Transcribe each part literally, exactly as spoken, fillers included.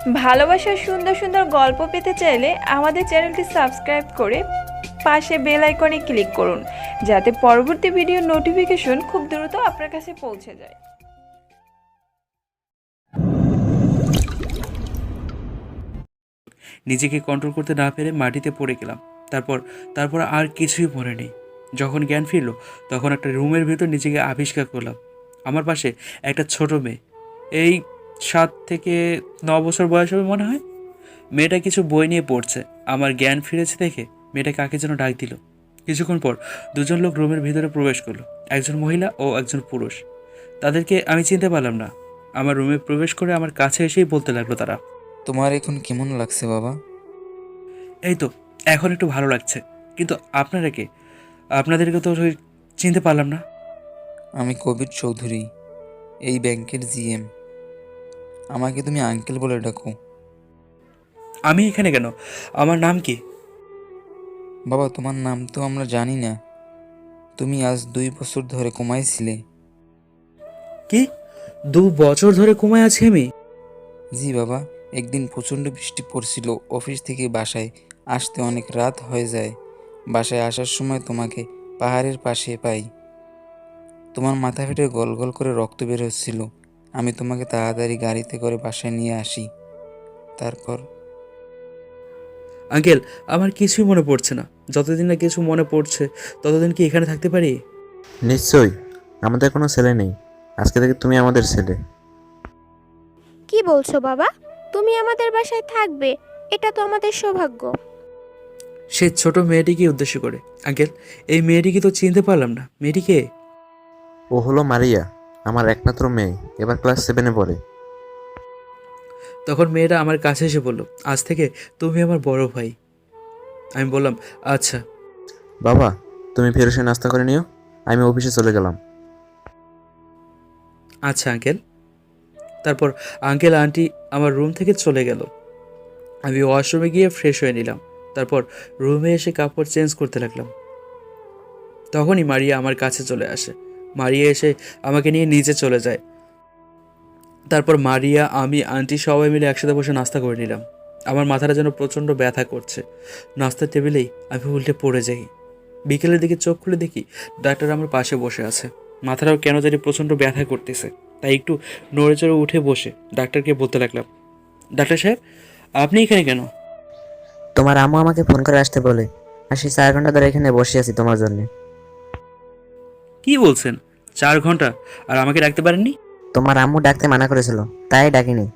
ভালোবাসার সুন্দর সুন্দর গল্প পেতে চাইলে আমাদের চ্যানেলটি সাবস্ক্রাইব করে পাশে বেল আইকনে ক্লিক করুন, যাতে পরবর্তী ভিডিওর নোটিফিকেশন খুব দ্রুত আপনার কাছে পৌঁছে যায়। নিজেকে কন্ট্রোল করতে না পেরে মাটিতে পড়ে গেলাম। তারপর তারপর আর কিছুই মনে নেই। যখন জ্ঞান ফিরল তখন একটা রুমের ভেতর নিজেকে আবিষ্কার করলাম। আমার পাশে একটা ছোট মেয়ে, এই সাত থেকে ন বছর বয়স হবে মনে হয়। মেয়েটা কিছু বই নিয়ে পড়ছে। আমার জ্ঞান ফিরেছে দেখে মেয়েটা কাকে যেন ডাক দিল। কিছুক্ষণ পর দুজন লোক রুমের ভিতরে প্রবেশ করলো, একজন মহিলা ও একজন পুরুষ। তাদেরকে আমি চিনতে পারলাম না। আমার রুমে প্রবেশ করে আমার কাছে এসেই বলতে লাগলো তারা, তোমার এখন কেমন লাগছে বাবা? এই তো এখন একটু ভালো লাগছে, কিন্তু আপনারা কে? আপনাদেরকে তো ওই চিনতে পারলাম না। আমি কবির চৌধুরী, এই ব্যাংকের জিএম। আমাকে তুমি আঙ্কেল বলে ডাকো। আমি এখানে কেন? আমার নাম কি? বাবা, তোমার নাম তো আমরা জানি না। তুমি আজ দুই বছর ধরে কমাইছিলে। কি? দু বছর ধরে ঘুমায় আছি আমি? জি বাবা, একদিন প্রচণ্ড বৃষ্টি পড়ছিল, অফিস থেকে বাসায় আসতে অনেক রাত হয়ে যায়। বাসায় আসার সময় তোমাকে পাহাড়ের পাশে পাই। তোমার মাথা ফেটে গল গল করে রক্ত বের হচ্ছিল। আমি তোমাকে তাড়াতাড়ি গাড়িতে করে বাসায় নিয়ে আসি। তারপর আঙ্কেল, আমার কিছুই মনে পড়ছে না। যতদিন না কিছু মনে পড়ছে ততদিন কি এখানে থাকতে পারি? নিশ্চয়ই, আমাদের কোনো ছেলে নেই। আজকে থেকে তুমি আমাদের ছেলে। কি বলছো বাবা? তুমি আমাদের বাসায় থাকবে? এটা তো আমাদের সৌভাগ্য। সে ছোট মেয়েটিকে উদ্দেশ্য করে, আঙ্কেল এই মেয়েটিকে তো চিনতে পারলাম না। মেয়েটিকে? ও হলো মারিয়া, আমার একমাত্র মেয়ে, এবার ক্লাস সেভেনে পড়ে। তখন মেয়েটা আমার কাছে এসে বলল, আজ থেকে তুমি আমার বড় ভাই। আমি বললাম, আচ্ছা। বাবা, তুমি ফেরোসে নাস্তা করে নিও, আমি অফিসে চলে গেলাম। আচ্ছা আঙ্কেল। তারপর আঙ্কেল আন্টি আমার রুম থেকে চলে গেল। আমি ওয়াশরুমে গিয়ে ফ্রেশ হয়ে নিলাম। তারপর রুমে এসে কাপড় চেঞ্জ করতে লাগলাম। তখনই মারিয়া আমার কাছে চলে আসে। মারিয়া এসে আমাকে নিয়ে নিচে চলে যায়। তারপর মারিয়া, আমি, আন্টি সবাই মিলে একসাথে বসে নাস্তা করে নিলাম। আমার মাথাটা যেন প্রচণ্ড ব্যথা করছে। নাস্তার টেবিলেই আমি উল্টে পড়ে যাই। বিকেলের দিকে চোখ খুলে দেখি ডাক্তার আমার পাশে বসে আছে। মাথাটাও কেন জানি প্রচণ্ড ব্যথা করতেছে। তাই একটু নড়ে চড়ে উঠে বসে ডাক্তারকে বলতে লাগলাম, ডাক্তার সাহেব, আপনি এখানে কেন? তোমার আম্মু আমাকে ফোন করে আসতে বলে, আর সেই চার ঘন্টা ধরে এখানে বসে আছি তোমার জন্য। কি বলছেন? চার ঘন্টা? আর আমাকে ডাকতে পারেননি? তোমার আম্মু ডাকতে মানা করেছিল, তাই ডাকিনি।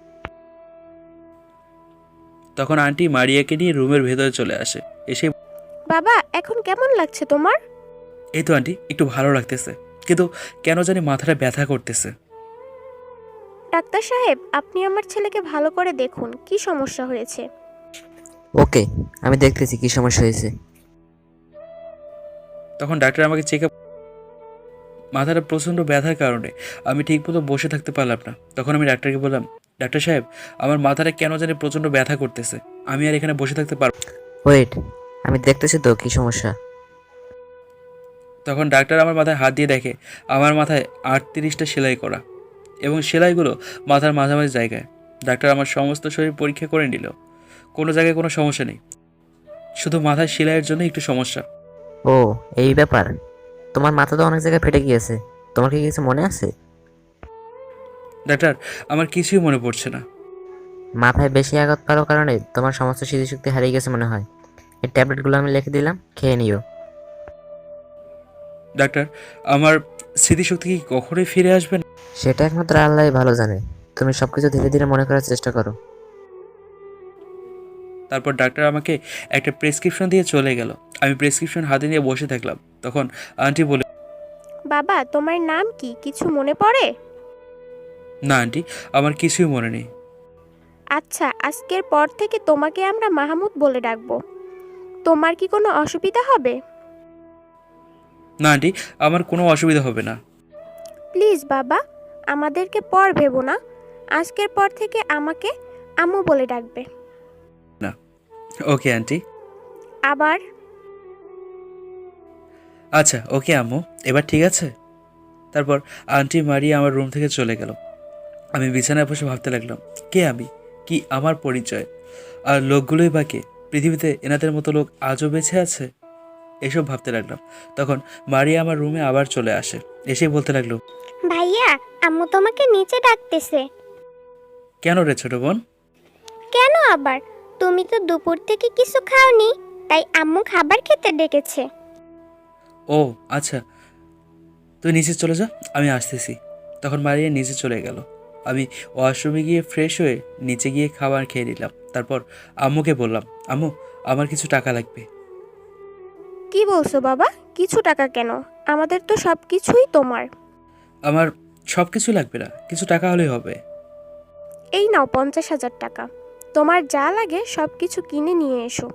তখন আন্টি মারিয়াকে নিয়ে রুমের ভেতরে চলে আসে। এসে, বাবা, এখন কেমন লাগছে তোমার? এই তো আন্টি একটু ভালো লাগতেছে, কিন্তু কেন জানি মাথাটা ব্যথা করতেছে। ডাক্তার সাহেব, আপনি আমার ছেলেকে ভালো করে দেখুন, কি সমস্যা হয়েছে। ওকে, আমি দেখতেছি কি সমস্যা হয়েছে। তখন ডাক্তার আমাকে চেক আপ, মাথাটা প্রচণ্ড ব্যথার কারণে আমি ঠিকমতো বসে থাকতে পারলাম না। তখন আমি ডাক্তারকে বললাম, ডাক্তার সাহেব, আমার মাথাটা কেন জানি প্রচণ্ড ব্যথা করতেছে, আমি আর এখানে বসে থাকতে পারব। ওয়েট, আমি দেখতেছি তো কি সমস্যা। তখন ডাক্তার আমার মাথায় হাত দিয়ে দেখে আমার মাথায় আটত্রিশটা সেলাই করা, এবং সেলাইগুলো মাথার মাঝামাঝি জায়গায়। ডাক্তার আমার সমস্ত শরীর পরীক্ষা করে নিল। কোনো জায়গায় কোনো সমস্যা নেই, শুধু মাথায় সেলাইয়ের জন্য একটু সমস্যা। ও, এই ব্যাপার। তোমার মাথা তো অনেক জায়গায় ফেটে গিয়েছে, তোমার কি কিছু মনে আছে? ডাক্তার, আমার কিছুই মনে পড়ছে না। মাথায় বেশি আঘাত পাওয়ার কারণে তোমার সমস্ত স্মৃতিশক্তি হারিয়ে গেছে মনে হয়। এই ট্যাবলেটগুলো আমি লিখে দিলাম, খেয়ে নিও। ডাক্তার, আমার স্মৃতিশক্তি কি কখনোই ফিরে আসবে না? সেটা একমাত্র আল্লাহই ভালো জানে। তুমি সবকিছু ধীরে ধীরে মনে করার চেষ্টা করো। তারপর ডাক্তার আমাকে একটা প্রেসক্রিপশন দিয়ে চলে গেল। আমি প্রেসক্রিপশন হাতে নিয়ে বসে থাকলাম। তখন আন্টি বলে, বাবা, তোমার নাম কি, কিছু মনে পড়ে? না আন্টি, আমার কিছুই মনে নেই। আচ্ছা, আজকের পর থেকে তোমাকে আমরা মাহমুদ বলে ডাকবো। তোমার কি কোনো অসুবিধা হবে? না আন্টি, আমার কোনো অসুবিধা হবে না। প্লিজ বাবা, আমাদেরকে পর ভেবো না। আজকের পর থেকে আমাকে আম্মু বলে ডাকবে। না, ওকে আন্টি। আবার আচ্ছা ওকে আম্মু, এবার ঠিক আছে। তারপর আন্টি মারিয়া আমার রুম থেকে চলে গেল। আমি বিছানায় বসে ভাবতে লাগলাম, কে আমি, কি আমার পরিচয়? আর লোকগুলোই বা কে? পৃথিবীতে এনাদের মতো লোক আজও বেঁচে আছে? এসব ভাবতে লাগলাম। তখন মারিয়া আমার রুমে আবার চলে আসে, এসেই বলতে লাগলো, ভাইয়া, আম্মু তোমাকে নিচে ডাকতেছে। কেন রে ছোট বোন? কেন আবার? তুমি তো দুপুর থেকে কিছু খাওনি, তাই আম্মু খাবার খেতে ডেকেছে। ও আচ্ছা, তুই নিচে চলে যা, আমি আসতেছি। তখন মারিয়া নিচে চলে গেল। আমি ওয়াশরুমে গিয়ে ফ্রেশ হয়ে নিচে গিয়ে খাবার খেয়ে নিলাম। তারপর আম্মুকে বললাম, আম্মু আমার কিছু টাকা লাগবে। কি বলছো বাবা? কিছু টাকা কেন? আমাদের তো সব কিছুই তোমার। আমার সব কিছু লাগবে না, কিছু টাকা হলেই হবে। এই নাও পঞ্চাশ হাজার টাকা। তোমার যা লাগে সব কিছু কিনে নিয়ে এসো।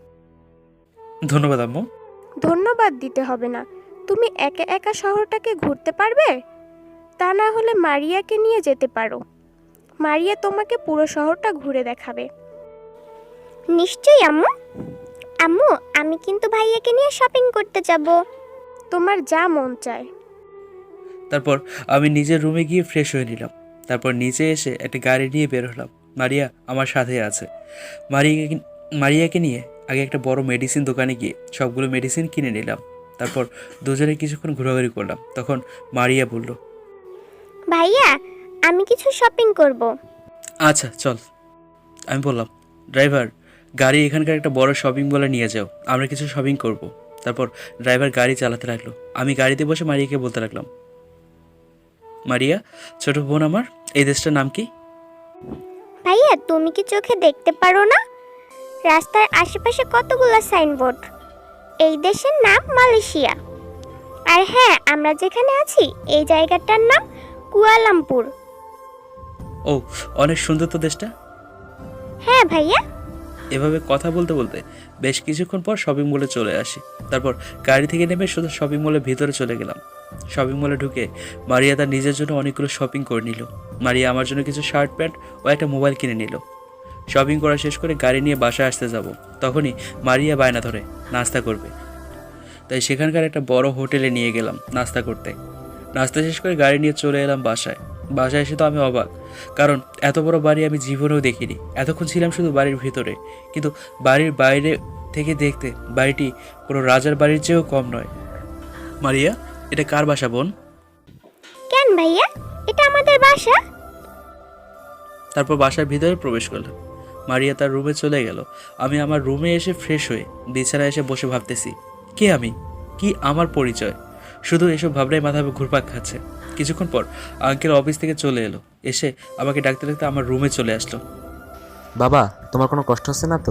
ধন্যবাদ আম্মু। ধন্যবাদ দিতে হবে না। তুমি একা একা শহরটাকে ঘুরতে পারবে? তা না হলে মারিয়াকে নিয়ে যেতে পারো। মারিয়া তোমাকে পুরো শহরটা ঘুরে দেখাবে। নিশ্চয়ই আম্মু। আম্মু, আমি কিন্তু ভাইয়াকে নিয়ে শপিং করতে যাব। তোমার যা মন চায়। তারপর আমি নিজের রুমে গিয়ে ফ্রেশ হয়ে নিলাম। তারপর নিচে এসে একটা গাড়ি নিয়ে বের হলাম। মারিয়া আমার সাথে আছে। মারিয়াকে মারিয়াকে নিয়ে আগে একটা বড় মেডিসিন দোকানে গিয়ে সবগুলো মেডিসিন কিনে নিলাম। তারপর দুজনে কিছুক্ষণ ঘোরাঘুরি করলাম। তখন মারিয়া বলল, ভাইয়া, আমি কিছু শপিং করব। আচ্ছা চল। আমি বললাম, ড্রাইভার, গাড়ি এখানকার একটা বড় শপিং মলে নিয়ে যাও, আমরা কিছু শপিং করব। তারপর ড্রাইভার গাড়ি চালাতে লাগলো। আমি গাড়িতে বসে মারিয়াকে বলতে লাগলাম, মারিয়া ছোট বোন আমার, এই দেশটার নাম কি? ভাইয়া, তুমি কি চোখে দেখতে পারো না? রাস্তার আশেপাশে কতগুলো সাইনবোর্ড। এই দেশের নাম মালয়েশিয়া। আর হ্যাঁ, আমরা যেখানে আছি এই জায়গাটার নাম কুয়ালালামপুর। ও, অনেক সুন্দর তো দেশটা। হ্যাঁ ভাইয়া। এভাবে কথা বলতে বলতে বেশ কিছুক্ষণ পর শপিং মলে চলে আসি। তারপর গাড়ি থেকে নেমে শুধু শপিং মলের ভিতরে চলে গেলাম। শপিং মলে ঢুকে মারিয়া তার নিজের জন্য অনেকগুলো শপিং করে নিল। মারিয়া আমার জন্য কিছু শার্ট প্যান্ট ও একটা মোবাইল কিনে নিল। শপিং করা শেষ করে গাড়ি নিয়ে বাসায় আসতে যাব, তখনই মারিয়া বায়না ধরে নাস্তা করবে। তাই সেখানকার একটা বড় হোটেলে নিয়ে গেলাম নাস্তা করতে। নাস্তা শেষ করে গাড়ি নিয়ে চলে এলাম বাসায়। বাসায় এসে তো আমি অবাক, কারণ এত বড় বাড়ি আমি জীবনেও দেখিনি। এতক্ষণ ছিলাম শুধু বাড়ির ভিতরে, কিন্তু বাড়ির বাইরে থেকে দেখতে বাড়িটি কোনো রাজার বাড়ির চেয়েও কম নয়। মারিয়া, এটা কার বাসা বোন? কেন ভাইয়া? এটা আমাদের বাসা। তারপর বাসার ভিতরে প্রবেশ করলাম। মারিয়া তার রুমে চলে গেল। আমি আমার রুমে এসে ফ্রেশ হয়ে বিছানায় এসে বসে ভাবতেছি, কে আমি, কি আমার পরিচয়? শুধু এসব ভাবনায় মাথা ঘুরপাক খাচ্ছে। কিছুক্ষণ পর আঙ্কেল অফিস থেকে চলে এলো। এসে আমাকে ডাকতে ডাকতে আমার রুমে চলে আসলো। বাবা, তোমার কোনো কষ্ট হচ্ছে না তো?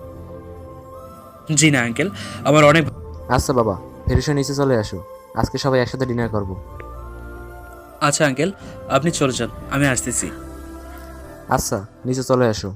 জি না আঙ্কেল, আমার অনেক। আচ্ছা বাবা, ফেরিসে নিচে চলে আসো, আজকে সবাই একসাথে ডিনার করব। আচ্ছা আঙ্কেল, আপনি চলে যান, আমি আসতেছি। আচ্ছা, নিচে চলে আসো।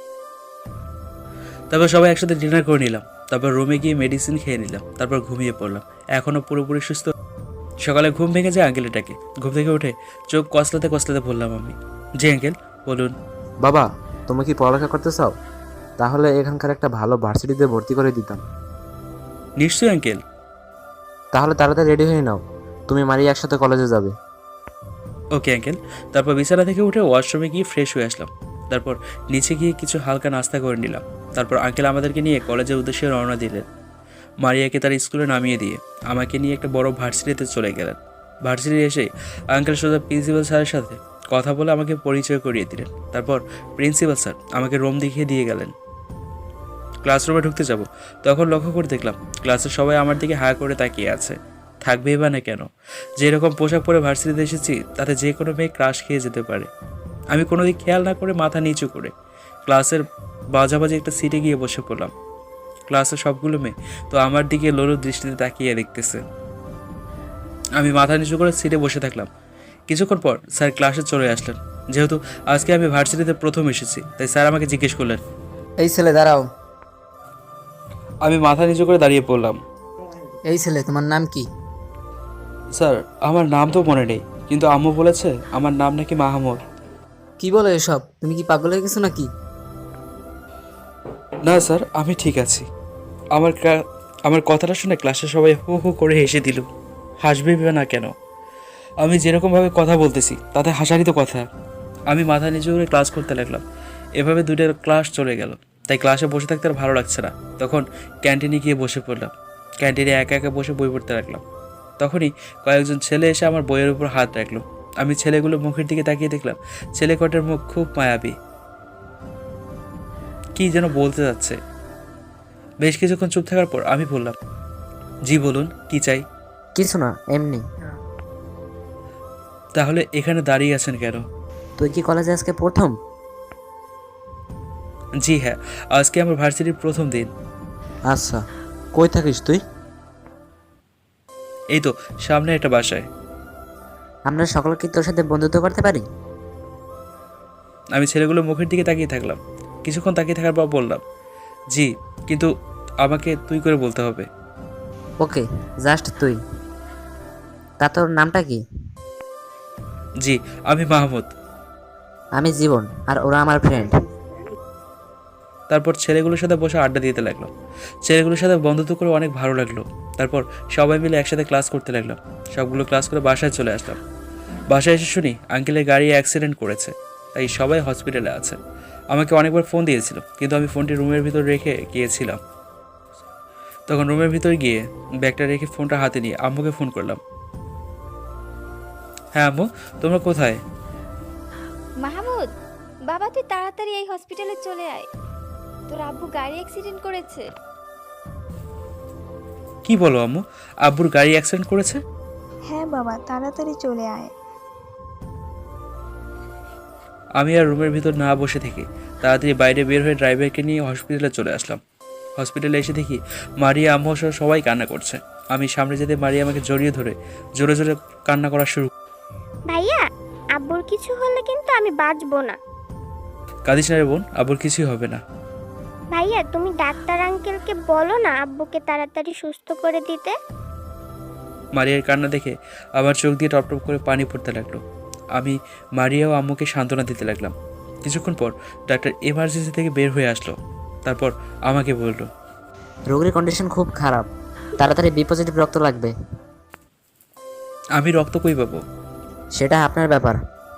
তারপর সবাই একসাথে ডিনার করে নিলাম। তারপর রুমে গিয়ে মেডিসিন খেয়ে নিলাম। তারপর ঘুমিয়ে পড়লাম। এখনও পুরোপুরি সুস্থ। সকালে ঘুম ভেঙে যায় আঙ্কেলটাকে। ঘুম থেকে উঠে চোখ কসলাতে কসলাতে বললাম আমি, জি আঙ্কেল বলুন। বাবা, তুমি কি পড়ালেখা করতে চাও? তাহলে এখানকার একটা ভালো ভার্সিটিতে ভর্তি করে দিতাম। নিশ্চয়ই আঙ্কেল। তাহলে তাড়াতাড়ি রেডি হয়ে নাও, তুমি মারিয়া একসাথে কলেজে যাবে। Okay uncle. তারপর বিছানা থেকে উঠে ওয়াশরুমে গিয়ে ফ্রেশ হয়ে আসলাম। তারপর নিচে গিয়ে কিছু হালকা নাস্তা করে নিলাম। তারপর আঙ্কেল আমাদেরকে নিয়ে কলেজের উদ্দেশ্যে রওনা দিলেন। মারিয়াকে তার স্কুলে নামিয়ে দিয়ে আমাকে নিয়ে একটা বড় ভার্সিটিতে চলে গেলেন। ভার্সিটি এসে আঙ্কেল সোজা প্রিন্সিপাল স্যারের সাথে কথা বলে আমাকে পরিচয় করিয়ে দিলেন। তারপর প্রিন্সিপাল স্যার আমাকে রুম দেখিয়ে দিয়ে গেলেন। ক্লাসরুমে ঢুকতে যাব, তখন লক্ষ্য করে দেখলাম ক্লাসের সবাই আমার দিকে হাঁ করে তাকিয়ে আছে। থাকবেই বা না কেন? যেরকম পোশাক পরে ভার্সিটিতে এসেছি তাতে যে কোনো মেয়ে ক্রাশ খেয়ে যেতে পারে। আমি কোনো দিক খেয়াল না করে মাথা নিচু করে ক্লাসের বাজাবাজি একটা সিটে গিয়ে বসে পড়লাম। ক্লাসের সবগুলো মেয়ে তো আমার দিকে লোলো দৃষ্টিতে তাকিয়ে দেখতেছে। আমি মাথা নিচু করে সিটে বসে থাকলাম। কিছুক্ষণ পর স্যার ক্লাসে চলে আসলেন। যেহেতু আজকে আমি ভার্সিটিতে প্রথম এসেছি, তাই স্যার আমাকে জিজ্ঞেস করলেন, এই ছেলে দাঁড়াও। আমি মাথা নিচু করে দাঁড়িয়ে পড়লাম। এই ছেলে, তোমার নাম কি? স্যার, আমার নাম তো মনে নেই, কিন্তু আম্মু বলেছে আমার নাম নাকি মাহমুদ। কি বলো এসব? তুমি কি পাগল হয়ে গেছো নাকি? না স্যার, আমি ঠিক আছি। আমার ক্লা- আমার কথাটা শুনে ক্লাসে সবাই হু হু করে হেসে দিল। হাসবে না কেন? আমি যেরকমভাবে কথা বলতেছি তাতে হাসারই তো কথা। আমি মাথা নিচু করে ক্লাস করতে লাগলাম। এভাবে দুইটা ক্লাস চলে গেল, তাই ক্লাসে বসে থাকতে আর ভালো লাগছে না। তখন ক্যান্টিনে গিয়ে বসে পড়লাম। ক্যান্টিনে একা একা বসে বই পড়তে লাগলাম। তখনই কয়েকজন ছেলে এসে আমার বইয়ের উপর হাত রাখলো। আমি ছেলেগুলো মুখের দিকে তাকিয়ে দেখলাম ছেলে কটার মুখ খুব মায়াবী, কি যেন বলতে যাচ্ছে। বেশ কিছুক্ষণ চুপ থাকার পর আমি বললাম, জি বলুন, কি চাই? কিছু না, এমনি। তাহলে এখানে দাঁড়িয়ে আছেন কেন? তুই কি কলেজে আজকে প্রথম? জি হ্যাঁ, আজকে আমার ভার্সিটির প্রথম দিন। আচ্ছা, কই থাকিস তুই? এই তো সামনে একটা বাসায়। আমরা সকলে কি তোর সাথে বন্ধুত্ব করতে পারি? আমি ছেলেগুলো মুখের দিকে তাকিয়ে থাকলাম। কিছুক্ষণ তাকিয়ে থাকার পর বললাম, জি, কিন্তু আমাকে তুই করে বলতে হবে। ওকে, জাস্ট তুই। তা তোর নামটা কি? জি, আমি মাহমুদ। আমি জীবন, আর ওরা আমার ফ্রেন্ড। তারপর ছেলেগুলোর সাথে বসে আড্ডা দিতে লাগলাম। ছেলেগুলোর সাথে বন্ধুত্ব করে অনেক ভালো লাগলো। তারপর সবাই মিলে একসাথে ক্লাস করতে লাগলাম। সবগুলো ক্লাস করে বাসায় চলে আসলাম। বাসায় এসে শুনি আঙ্কেলের গাড়ি অ্যাক্সিডেন্ট করেছে, তাই সবাই হসপিটালে আছে। আমাকে অনেকবার ফোন দিয়েছিল, কিন্তু আমি ফোনটি রুমের ভিতর রেখে গিয়েছিলাম। তখন রুমের ভিতর গিয়ে ব্যাগটা রেখে ফোনটা হাতে নিয়ে আম্মুকে ফোন করলাম। হ্যাঁ আম্মু, তোমরা কোথায়? মাহমুদ, বাবা তুই তাড়াতাড়ি এই হসপিটালে চলে আয়, তোর আব্বু গাড়ি অ্যাক্সিডেন্ট করেছে। কি বলো আম্মু, আব্বুর গাড়ি অ্যাক্সিডেন্ট করেছে? হ্যাঁ বাবা, তাড়াতাড়ি চলে আয়। আমি আর রুমের ভিতর না বসে থেকে তাড়াতাড়ি বাইরে বের হয়ে ড্রাইভারকে নিয়ে হসপিটালে চলে আসলাম। হসপিটালে এসে দেখি মারিয়া আম্মু সহ সবাই কান্না করছে। আমি সামনে যেতে মারিয়া আমাকে জড়িয়ে ধরে জোরে জোরে কান্না করা শুরু। ভাইয়া, আব্বুর কিছু হলে কিন্তু আমি বাঁচবো না। কাঁদিস না রে বোন, আব্বুর কিছুই হবে না। ভাইয়া, তুমি ডাক্তার আঙ্কেলকে বলো না আব্বুকে তাড়াতাড়ি সুস্থ করে দিতে। মারিয়ার কান্না দেখে আমার চোখ দিয়ে টপ টপ করে পানি পড়তে লাগলো। আমি মারিয়া ও আম্মুকে সান্ত্বনা দিতে লাগলাম। কিছুক্ষণ পর ডাক্তার এমার্জেন্সি থেকে বের হয়ে আসলো। তারপর আমাকে বলল, রোগীর কন্ডিশন খুব খারাপ, তাড়াতাড়ি বি পজিটিভ রক্ত লাগবে। আমি রক্ত কই পাবো? সেটা আপনার ব্যাপার।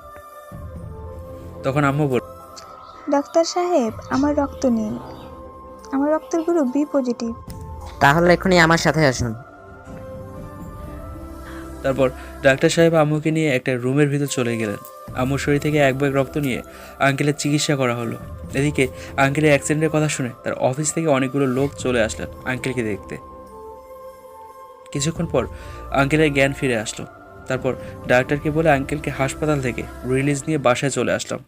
তখন আম্মু বলল, ডাক্তার সাহেব, আমার রক্ত নিন, আমার রক্তের গ্রুপ বি পজিটিভ। তাহলে এখনই আমার সাথে আসুন। তারপর ডাক্তার সাহেব আম্মুকে নিয়ে একটা রুমের ভিতর চলে গেলেন। আম্মুর শরীর থেকে এক ব্যাগ রক্ত নিয়ে আঙ্কেলের চিকিৎসা করা হলো। এদিকে আঙ্কেলের অ্যাক্সিডেন্টের কথা শুনে তার অফিস থেকে অনেকগুলো লোক চলে আসলেন আঙ্কেলকে দেখতে। কিছুক্ষণ পর আঙ্কেলের জ্ঞান ফিরে আসলো। তারপর ডাক্তারকে বলে আঙ্কেলকে হাসপাতাল থেকে রিলিজ নিয়ে বাসায় চলে আসলাম।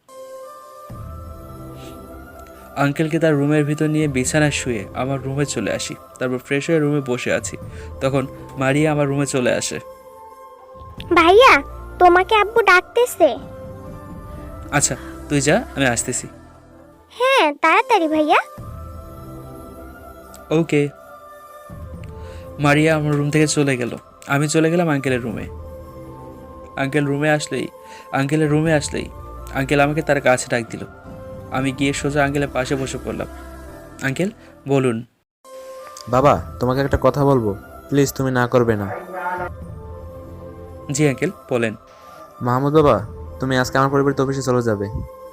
আঙ্কেলকে তার রুমের ভিতর নিয়ে বিছানায় শুয়ে আমার রুমে চলে আসি। তারপর ফ্রেশ হয়ে রুমে বসে আছি। তখন মারিয়া আমার রুমে চলে আসে। ভাইয়া, তোমাকে আব্বু ডাকতেছে। আচ্ছা তুই যা, আমি আসতেছি। হ্যাঁ, তাড়াতাড়ি ভাইয়া। ওকে। মারিয়া আমার রুম থেকে চলে গেল। আমি চলে গেলাম আঙ্কেলের রুমে। আঙ্কেল রুমে আসলেই আঙ্কেলের রুমে আসলেই আঙ্কেল আমাকে তার কাছে ডাক দিল। আমি গিয়ে সোজা আঙ্কেলের পাশে বসে পড়লাম। আঙ্কেল বলুন। বাবা, তোমাকে একটা কথা বলবো, প্লিজ তুমি না করবে না। জি আঙ্কেল বলেন। মাহমুদ বাবা, তুমি আজকে আমার পরিবর্তে অফিসে চলে যাবে।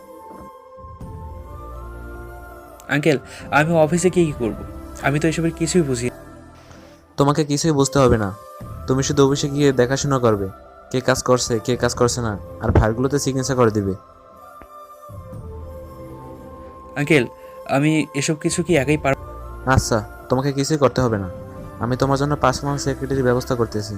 আঙ্কেল আমি অফিসে গিয়ে কী করবো? আমি তো এসবের কিছুই বুঝি না। তোমাকে কিছুই বুঝতে হবে না, তুমি শুধু অফিসে গিয়ে দেখাশোনা করবে, কে কাজ করছে কে কাজ করছে না, আর ফাইলগুলোতে সিগনেচার করে দিবে। আঙ্কেল আমি এসব কিছু কি একাই পার? আচ্ছা, তোমাকে কিছুই করতে হবে না, আমি তোমার জন্য পার্সোনাল সেক্রেটারির ব্যবস্থা করতেছি।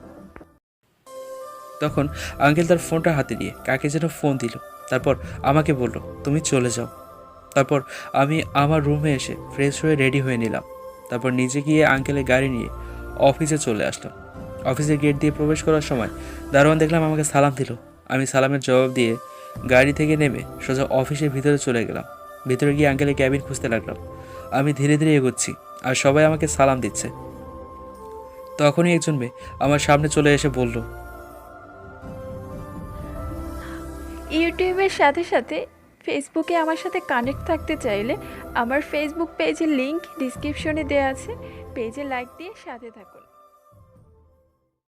তখন আঙ্কেল তার ফোনটা হাতে নিয়ে কাকে যেন ফোন দিল। তারপর আমাকে বলল, তুমি চলে যাও। তারপর আমি আমার রুমে এসে ফ্রেশ হয়ে রেডি হয়ে নিলাম। তারপর নিজে গিয়ে আঙ্কেলের গাড়ি নিয়ে অফিসে চলে আসলাম। অফিসের গেট দিয়ে প্রবেশ করার সময় দারোয়ান দেখলাম আমাকে সালাম দিল। আমি সালামের জবাব দিয়ে গাড়ি থেকে নেমে সোজা অফিসের ভিতরে চলে গেলাম। ভিতরে গিয়ে আঙ্কেলের ক্যাবিন খুঁজতে লাগলাম। আমি ধীরে ধীরে এগোচ্ছি আর সবাই আমাকে সালাম দিচ্ছে। তখনই একজন মেয়ে আমার সামনে চলে এসে বলল, ইউটিউবের সাথে সাথে ফেসবুকে আমার সাথে কানেক্ট থাকতে চাইলে আমার ফেসবুক পেজের লিংক ডিসক্রিপশনে দেওয়া আছে, পেজে লাইক দিয়ে সাথে থাকুন।